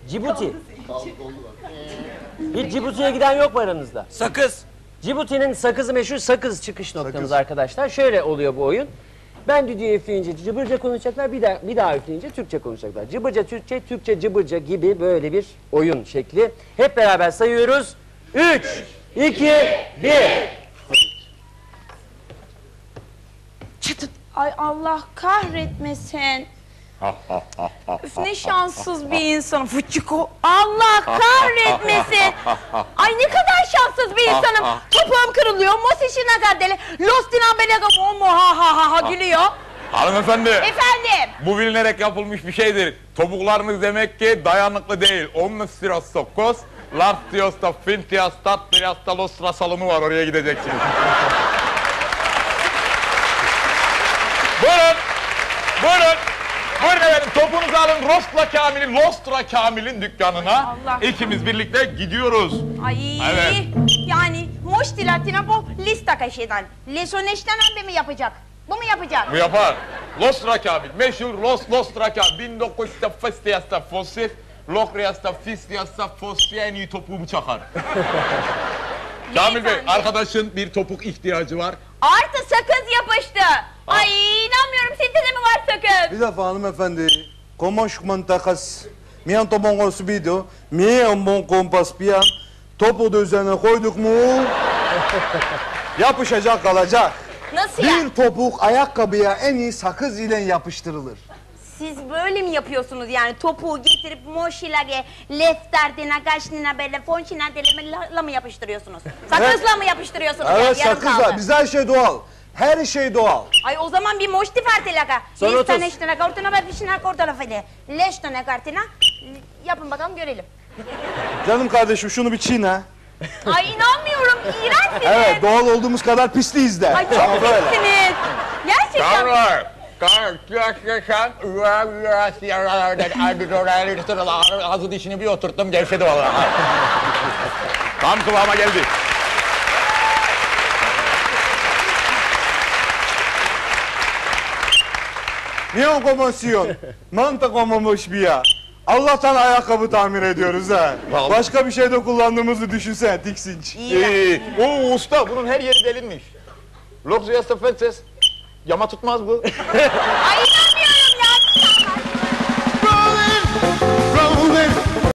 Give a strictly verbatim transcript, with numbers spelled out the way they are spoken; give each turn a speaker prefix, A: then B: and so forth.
A: Cibuti. Hiç Cibuti'ye giden yok mu aranızda?
B: Sakız.
A: Cibuti'nin sakızı meşhur, sakız çıkış noktamız
C: Sakız.
A: arkadaşlar. Şöyle oluyor bu oyun. Ben düdüğü üfleyince cıbırca konuşacaklar, bir daha, bir daha üfleyince Türkçe konuşacaklar. Cıbırca Türkçe, Türkçe cıbırca gibi böyle bir oyun şekli. Hep beraber sayıyoruz. Üç, iki, bir.
D: Çıtın. Ay Allah kahretmesin. Üf ne şanssız bir insanım. Fıçıko. Allah kahretmesin. Ay ne kadar şanssız bir insanım. Topuğum kırılıyor. Mosişina kadele. Lostina belega momo ha ha ha ha gülüyor.
E: Hanımefendi.
D: Efendim.
E: Bu bilinerek yapılmış bir şeydir. Topuklarınız demek ki dayanıklı değil. Omnus sirostokos, lastiyosta, fintiasta, triastalostra salonu var. Oraya gideceksiniz. Buyurun. Buyurun. Buyurun efendim. Topunuzu alın. Rostra Kamil'in, Lostra Kamil'in dükkanına.
D: Allah.
E: İkimiz birlikte gidiyoruz.
D: Ay.
E: Evet.
D: Yani moş latina bu lista kaşeden. Lesoneşten önce mi yapacak? Bu mu yapacak?
E: Bu yapar. Lostra Kamil. Meşhur Los Lostra Kamil. bin dokuz yüz festiyasta fosif. Lokriyasta fistiyasta fosif en iyi topuğumu çakar. Kamil Bey,
D: Beyefendi.
E: arkadaşın bir topuk ihtiyacı var.
D: Artı sakız yapıştı. Ay inanmıyorum. Sizde de mi var sakız?
C: Bir defa hanımefendi. Komoş mantakas. Miyan topon subido. Miyan bon kompas piyan. Topu da üzerine koyduk mu? Yapışacak kalacak.
D: Nasıl ya?
C: Bir topuk ayakkabıya en iyi sakız ile yapıştırılır.
D: Siz böyle mi yapıyorsunuz yani topuğu getirip moşilage, lefterdina, gaşnina böyle fonşina delemela mı yapıştırıyorsunuz? Sakızla mı yapıştırıyorsunuz
C: Evet,
D: yani yarım
C: sakızla.
D: kaldı?
C: Bizde her şey doğal. Her şey doğal.
D: Ay o zaman bir moşti fartelaka.
A: Son otuz.
D: Listaneştina kartına ve pişina kortana fede. Leştone kartına. Yapın bakalım görelim.
C: Canım kardeşim şunu bir çiğne.
D: Ay inanmıyorum. İğrençsiniz.
C: Evet, doğal olduğumuz kadar pisliyiz de.
D: Ay çok
C: Ama böyle.
D: pissiniz. Gerçekten.
E: Kamil! Kamil! Ağzı dişini bir oturttum gevşedi vallahi. Tam kıvama geldi.
C: Niye komosyon? Manta komamış bir ya. Allah'tan ayakkabı tamir ediyoruz ha.
E: Vallahi.
C: Başka bir şeyde kullandığımızı düşünsene, tiksinç.
E: Ee, o usta bunun her yeri delinmiş. Loksiyasta fetses. Yama tutmaz bu.
D: Ay